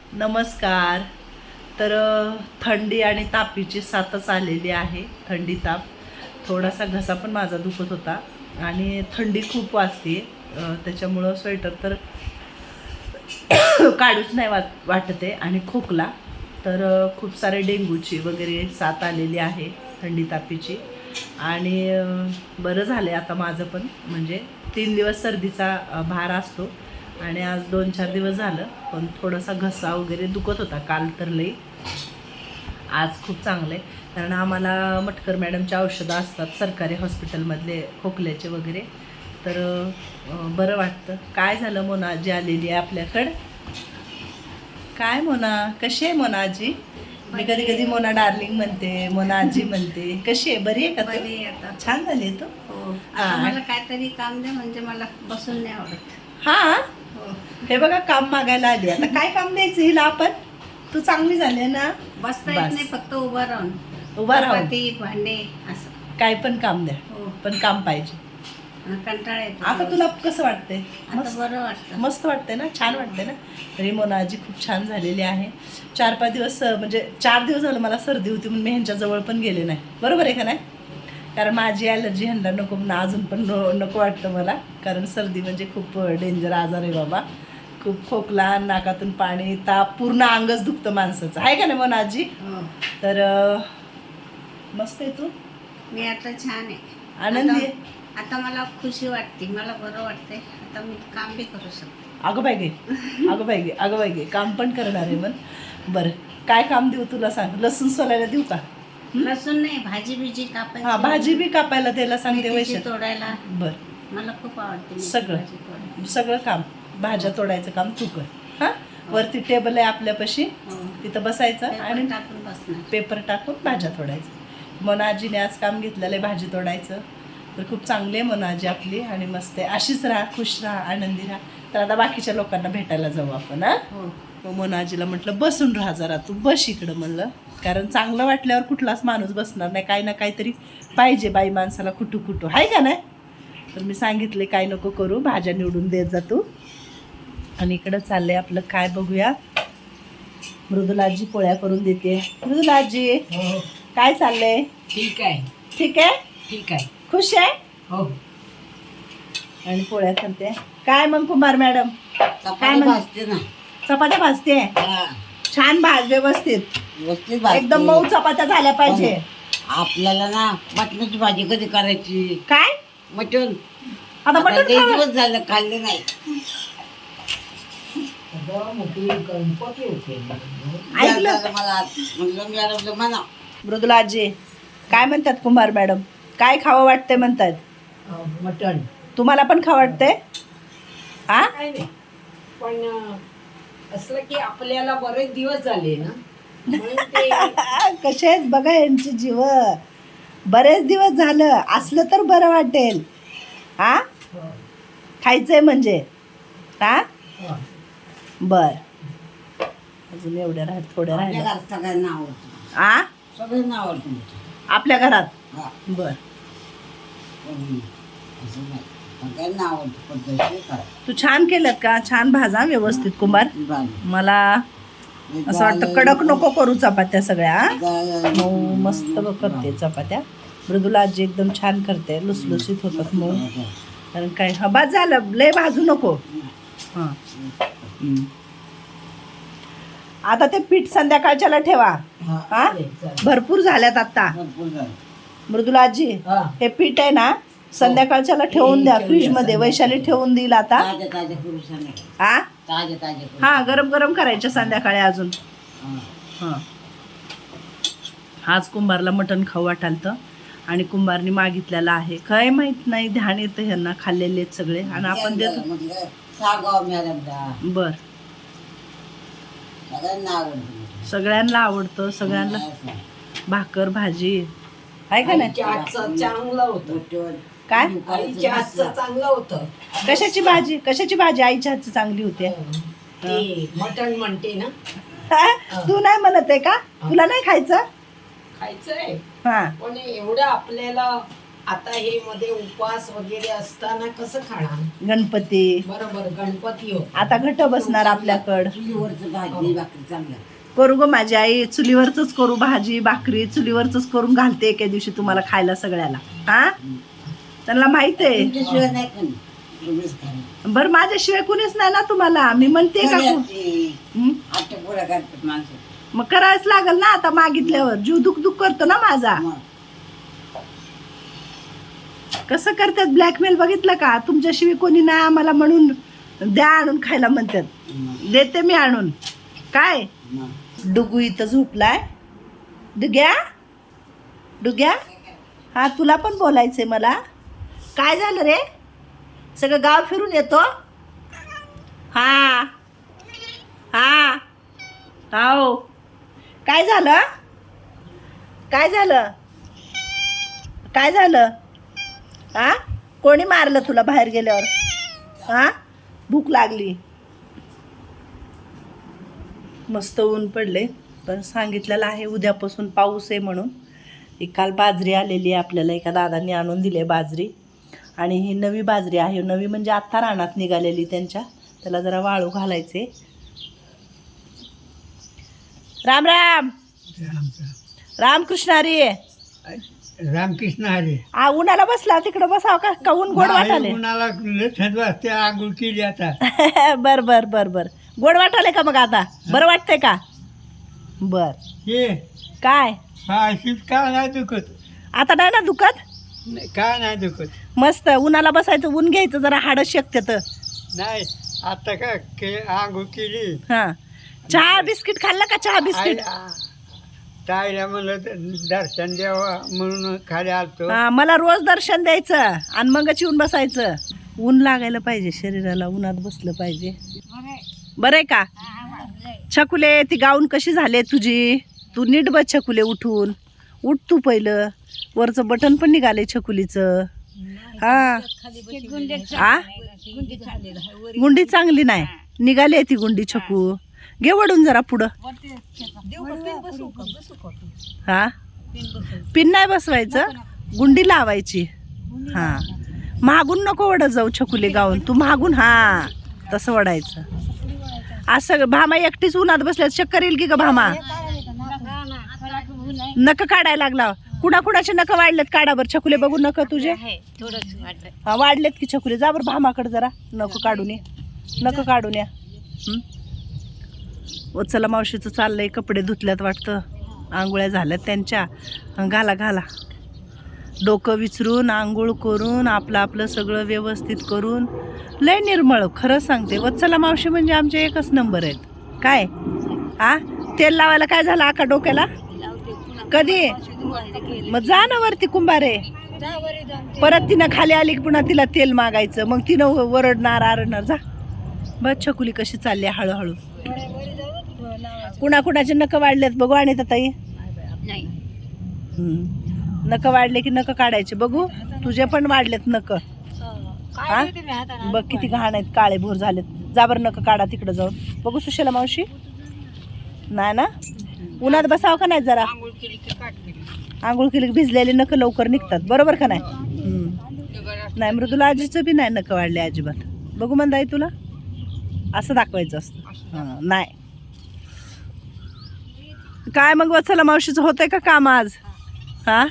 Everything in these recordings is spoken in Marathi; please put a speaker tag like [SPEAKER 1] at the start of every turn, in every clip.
[SPEAKER 1] नमस्कार. तर थंडी आणि तापीची साथच आलेली आहे. थंडी ताप, थोडासा घसा पण माझा दुखत होता आणि थंडी खूप वाजते. त्याच्यामुळं स्वेटर तर काढूच नाही वाटते आणि खोकला तर खूप सारे डेंग्यूची वगैरे साथ आलेली आहे थंडी तापीची. आणि बरं झालं आता माझं पण, म्हणजे 3 दिवस सर्दीचा भार असतो आणि आज 2-4 दिवस झालं, पण थोडासा घसा वगैरे दुखत होता काल तर लई. आज खूप चांगलं आहे, कारण आम्हाला मटकर मॅडमच्या औषधं असतात सरकारी हॉस्पिटलमधले खोकल्याचे वगैरे, तर बरं वाटतं. काय झालं, मोना आजी आलेली आहे आपल्याकडं. काय मोना, कशी आहे मोना आजी? मी कधी कधी मोना डार्लिंग म्हणते, मोना आजी म्हणते. कशी आहे, बरी आहे का तू?
[SPEAKER 2] बरी आता
[SPEAKER 1] छान झाली आहे तू.
[SPEAKER 2] हो. आता मला काहीतरी काम द्या, म्हणजे मला बसून नाही आवडत.
[SPEAKER 1] हा,
[SPEAKER 2] हो.
[SPEAKER 1] हे बघा काम मागायला आली. आता काय काम द्यायचं हिला आपण? तू चांगली झाली ना.
[SPEAKER 2] बसता येत नाही, फक्त उभा राहून.
[SPEAKER 1] उभा राहून
[SPEAKER 2] चपाती, भांडे असं.
[SPEAKER 1] काय पण काम द्या,
[SPEAKER 2] हो.
[SPEAKER 1] पण काम पाहिजे.
[SPEAKER 2] कंटाळा येतो.
[SPEAKER 1] आता तुला कसं वाटतंय?
[SPEAKER 2] आता बरं वाटतं.
[SPEAKER 1] मस्त वाटतंय ना, छान वाटतंय ना. तरी मोना आजी खूप छान झालेली आहे. 4-5 दिवस, म्हणजे 4 दिवस झालं मला सर्दी होती, म्हणून मी ह्यांच्या जवळ पण गेले नाही. बरोबर आहे का नाही? कारण माझी ॲलर्जी ह्यांना नको म्हणून अजून पण नको वाटतं मला, कारण सर्दी म्हणजे खूप डेंजर आजार आहे बाबा. खूप खोकला, नाकातून पाणी, ताप, पूर्ण अंगच दुखतं माणसाचं, आहे का नाही मोना आजी?
[SPEAKER 2] हो.
[SPEAKER 1] तर मस्त आहे तू.
[SPEAKER 2] मी आता छान आहे,
[SPEAKER 1] आनंदी आहे.
[SPEAKER 2] आता मला खुशी वाटते, मला बरं वाटतंय. आता मी काम बी करू शकते.
[SPEAKER 1] अगं बाई गे, अगं बाई गे, अगं बाई गे, काम पण करणार आहे मग. बरं, काय काम देऊ तुला सांग? लसूण सोलायला देऊ का?
[SPEAKER 2] लसूण नाही, भाजी बिजी कापायची.
[SPEAKER 1] हा, भाजी बी कापायला त्याला सांगते
[SPEAKER 2] मेथीची
[SPEAKER 1] वैशाली.
[SPEAKER 2] तोडायला
[SPEAKER 1] बरं,
[SPEAKER 2] मला खूप आवडते. मेथी
[SPEAKER 1] सगळं.
[SPEAKER 2] भाजी तोडायला.
[SPEAKER 1] सगळं काम, भाज्या तोडायचं काम तू कर. हां, वरती टेबल आहे आपल्यापाशी,
[SPEAKER 2] हो.
[SPEAKER 1] तिथं बसायचं
[SPEAKER 2] पेपर
[SPEAKER 1] आणि
[SPEAKER 2] टाकून बसणार.
[SPEAKER 1] पेपर टाकून भाज्या तोडायचं. मोना आजीने आज काम घेतलेलं आहे भाजी तोडायचं. तर खूप चांगली आहे मोना आजी आपली, आणि मस्त आहे. अशीच राहा, खुश राहा, आनंदी राहा. तर आता बाकीच्या लोकांना भेटायला जाऊ आपण. हां,
[SPEAKER 2] हो.
[SPEAKER 1] मग मोना आजीला म्हटलं बसून राहा जरा, तू बस इकडं म्हणलं, कारण चांगलं वाटल्यावर कुठलाच माणूस बसणार नाही. काही ना काहीतरी पाहिजे बाई माणसाला, कुठू आहे का नाही? तर मी सांगितले काय नको करू, भाज्या निवडून देत जा तू. आणि इकडं चाललंय आपलं, काय बघूया. मृदुलाजी पोळ्या करून देते. मृदुलाजी, काय चाललंय?
[SPEAKER 2] ठीक आहे,
[SPEAKER 1] ठीक आहे,
[SPEAKER 2] ठीक आहे.
[SPEAKER 1] खुश आहे.
[SPEAKER 2] हो.
[SPEAKER 1] आणि पोळ्या करते. काय मग कुमार मॅडम, काय म्हणते?
[SPEAKER 2] ना
[SPEAKER 1] चपात्या भाजते. छान भाज, व्यवस्थित एकदम मऊ चपात्या झाल्या पाहिजे.
[SPEAKER 2] आपल्याला ना मटणाची भाजी कधी करायची?
[SPEAKER 1] काय
[SPEAKER 2] मटण
[SPEAKER 1] आता मटण खावं?
[SPEAKER 2] दिवस झालं खाल्ले नाही.
[SPEAKER 1] ऐकलं
[SPEAKER 2] मला म्हणलं म्हणा.
[SPEAKER 1] मृदुलाजी, काय म्हणतात कुमार मॅडम? काय खावं वाटतंय म्हणतात?
[SPEAKER 2] मटण.
[SPEAKER 1] तुम्हाला पण खावं वाटतंय? हा,
[SPEAKER 3] काय नाही, पण असलं की आपल्याला बरेच दिवस झाले ना, म्हणून ते
[SPEAKER 1] कसे आहेत बघा यांची जीव. बरेच दिवस झालं असलं तर बरं वाटेल. हा, खायचंय म्हणजे. हा, बर. अजून एवढ्या थोड्या
[SPEAKER 2] आपल्या
[SPEAKER 1] राहिल्या.
[SPEAKER 2] घरात सगळ्यांना आवडतं.
[SPEAKER 1] आ,
[SPEAKER 2] सगळ्यांना आवडतं.
[SPEAKER 1] आपल्या घरात.
[SPEAKER 2] हा.
[SPEAKER 1] बर,
[SPEAKER 2] असं नाही, सगळ्यांना आवडतं. पद्धतशीर करा.
[SPEAKER 1] तू छान केलं का? छान भाजा व्यवस्थित कुंभार. मला असं वाटतं कडक नको करू चपात्या सगळ्या. मऊ मस्त करते चपात्या. मृदुला आजी एकदम छान करते, लुसलुसीत होतात मऊ. कारण काय, हा बाद झालं, लय भाजू नको. हां, आता ते पीठ संध्याकाळच्याला ठेवा. हा, भरपूर झाल्यात आता. मृदुला आजी, हे पीठ आहे ना, संध्याकाळच्याला ठेवून द्या फ्रीज मध्ये. वैशाली ठेवून देईल आता. हा, हा, गरम गरम करायच्या संध्याकाळी अजून. हां, आज कुंभारला मटण खाऊ वाटालतं आणि कुंभारनी मागितलेलं आहे. काय माहित नाही, ध्यान येतं ह्यांना, खाल्लेले आहेत सगळे आणि आपण देतो. बर, सगळ्यांना आवडतं, सगळ्यांना. भाकर भाजी आहे का नाही?
[SPEAKER 3] चांगलं होतं.
[SPEAKER 1] काय,
[SPEAKER 3] आईच्या हातचं चांगलं होतं.
[SPEAKER 1] कशाची भाजी? कशाची भाजी आईच्या हातची चांगली होते?
[SPEAKER 3] ते मटण म्हणते ना,
[SPEAKER 1] तू नाही म्हणत आहे का? तुला नाही खायचं?
[SPEAKER 3] खायचंय,
[SPEAKER 1] हा,
[SPEAKER 3] पण एवढं आपल्याला आता हे मध्ये उपवास वगैरे असताना कसं खाणार?
[SPEAKER 1] गणपती
[SPEAKER 3] बरोबर, गणपती हो.
[SPEAKER 1] आता घट बसणार आपल्याकडं.
[SPEAKER 4] चुलीवरचं भाजी भाकरी चांगलं.
[SPEAKER 1] करू ग माझी आई, चुलीवरच करू भाजी भाकरी, चुलीवरच करून घालते एके दिवशी तुम्हाला खायला सगळ्याला. हा त्यांना माहित आहे.
[SPEAKER 4] तुमच्याशिवाय नाही कोणी. एवढंच खरं.
[SPEAKER 1] बर माझ्याशिवाय कुणीच नाही ना तुम्हाला, मी म्हणते का हं?
[SPEAKER 4] आट्या पोळ्या करतात माणसं.
[SPEAKER 1] मग करायच लागल ना आता मागितल्यावर. जीव दुख दुख करतो ना माझा.
[SPEAKER 4] मग
[SPEAKER 1] कसं करतात ब्लॅकमेल बघितलं का? तुमच्याशिवाय कोणी नाही आम्हाला म्हणून द्या आणून खायला म्हणतात. देते मी आणून. काय डुगू इथं झोपलाय. डुग्या डुग्या, हा तुला पण बोलायचंय मला. काय झालं रे? सगळं गाव फिरून येतो. हा हा हो. काय झालं? काय झालं? काय झालं? हा कोणी मारलं तुला बाहेर गेल्यावर? हा भूक लागली. मस्त ऊन पडले, पण सांगितलेलं आहे उद्यापासून पाऊस आहे म्हणून. ही काल बाजरी आलेली आहे आपल्याला, एका दादांनी आणून दिली बाजरी. आणि ही नवी बाजरी आहे. नवी म्हणजे आत्ता रानात निघालेली त्यांच्या. त्याला जरा वाळू घालायचे. राम राम. रामकृष्ण हरी.
[SPEAKER 5] रामकृष्ण हरी.
[SPEAKER 1] उन्हाला बसला तिकडं बसाव का ऊन गोड वाटाले?
[SPEAKER 5] उन्हाला थंड वाजते, आंघोळ केली आता.
[SPEAKER 1] बर बर बर बर. गोड वाटाले का मग आता? बरं वाटतंय का? बर.
[SPEAKER 5] हे
[SPEAKER 1] काय
[SPEAKER 5] अशीच का नाही दुखत?
[SPEAKER 1] आता नाही ना दुखत?
[SPEAKER 5] काय नाही दुखत.
[SPEAKER 1] मस्त उन्हाला बसायचं, ऊन घ्यायचं, जरा हाडं शेकते तर.
[SPEAKER 5] नाही आता का आंघोळ केली.
[SPEAKER 1] हा चहा बिस्किट खाल्लं का? चहा बिस्किट.
[SPEAKER 5] ताईला म्हणलं दर्शन द्यावा म्हणून खाली आलतो.
[SPEAKER 1] हा मला रोज दर्शन द्यायचं आणि मगच येऊन बसायचं. ऊन लागायला पाहिजे शरीराला, उन्हात बसलं पाहिजे. बरं आहे का? छकुले ती गाऊन कशी झाले तुझी? तू नीट बस छकुले, उठून उठ तू पहिलं. वरचं बटन पण निघाले छकुलीचं. हा गुंडी चांगली नाही निघाली ती गुंडी. छकू घे वडून जरा पुढं. हा पिन नाही बसवायचं, गुंडी लावायची. हा मागून नको वडत जाऊ छकुले गाऊन, तू मागून हा तसं वडायचं. असं भामा एकटीच उन्हात बसल्यात चक्कर येईल की ग भामा? नख काढायला लागला. कुणाकुणाचे नख वाढलेत काढा बर छकुले बघू. नख तुझे हा वाढलेत की छकुले? जा बर भामाकडे जरा नख काढून ये. नख काढून या. वत्सला मावशीचं चाललंय, कपडे धुतल्यात वाटतं, आंघोळ्या झाल्यात त्यांच्या. घाला घाला. डोकं विचारून आंघोळ करून आपलं आपलं सगळं व्यवस्थित करून लय निर्मळ. खरं सांगते वत्सला मावशी म्हणजे आमचे एकच नंबर आहेत. काय हा तेल लावायला काय झालं आका डोक्याला? कधी? मग जा ना वरती कुंभारे. परत तिनं खाली आली की पुन्हा तिला तेल मागायचं, मग तिनं वरडणार आरडणार. जा बस छकुली कशी चालली हळूहळू. कुणाकुणाचे नख वाढलेत बघू. आणि ताई नख वाढले की नख काढायचे बघू. तुझे पण वाढलेत नख. हा बघ किती घाण आहेत, काळे भोर झालेत. जा बरं नख काढा तिकडं जाऊन बघू. सुशला मावशी नाही ना? उन्हात बसावं का नाही जरा? आंघोळ केली की भिजलेले नख लवकर निघतात, बरोबर का नाही? नाही मृदुला आजीचं बी नाही नख वाढले अजिबात. बघू म्हणताय तुला असं दाखवायचं असतं. नाही काय मग वत्सला मावशीचं होतंय का काम आज? हा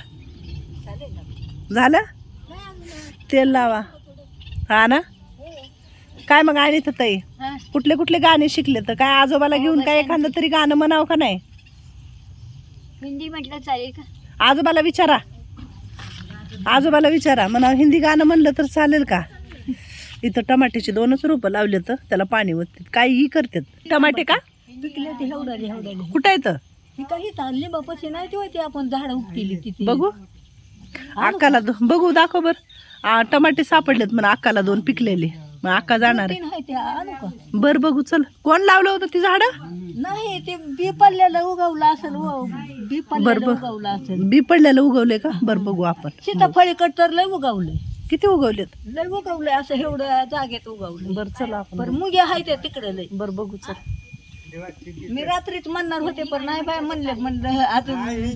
[SPEAKER 1] झालं? तेल लावा. हा ना? काय मग आणि तर ताई कुठले कुठले गाणे शिकले? तर काय आजोबाला घेऊन काय एखादं तरी गाणं म्हणावं का नाही?
[SPEAKER 2] हिंदी म्हटलं चालेल का?
[SPEAKER 1] आजोबाला विचारा. आजोबाला विचारा म्हणा हिंदी गाणं म्हणलं तर चालेल का? इथं टमाट्याचे 2च रोपं लावले तर त्याला पाणी ओततात, काहीही करतात. टमाटे का
[SPEAKER 2] पिकले ते हेवडाले
[SPEAKER 1] कुठं येतं?
[SPEAKER 2] काही चालले बापाशी नाही ते आपण झाड उपटेली तिथे.
[SPEAKER 1] बघू अक्काला बघू दाखव बर. टमाटे सापडलेत म्हणा अक्काला 2 पिकलेले. मग अक्का जाणार आहे. बर बघू चल. कोण लावलं होतं ती झाड?
[SPEAKER 2] नाही ते बी पडलेलं उगवलं असेल. बी पडलेलं उगवलं असेल.
[SPEAKER 1] बी पडलेलं उगवले का? बर बघू आपण.
[SPEAKER 2] सीताफळीकडे तर लय उगवलंय.
[SPEAKER 1] किती उगवलेत?
[SPEAKER 2] लय उगवलंय असं एवढं जागेत उगवलं.
[SPEAKER 1] बर चला आपण.
[SPEAKER 2] पण मुगे आहे ते तिकडे लय.
[SPEAKER 1] बर बघू चल.
[SPEAKER 2] मी रात्रीच म्हणणार होते पण नाही बाय म्हणलं अजून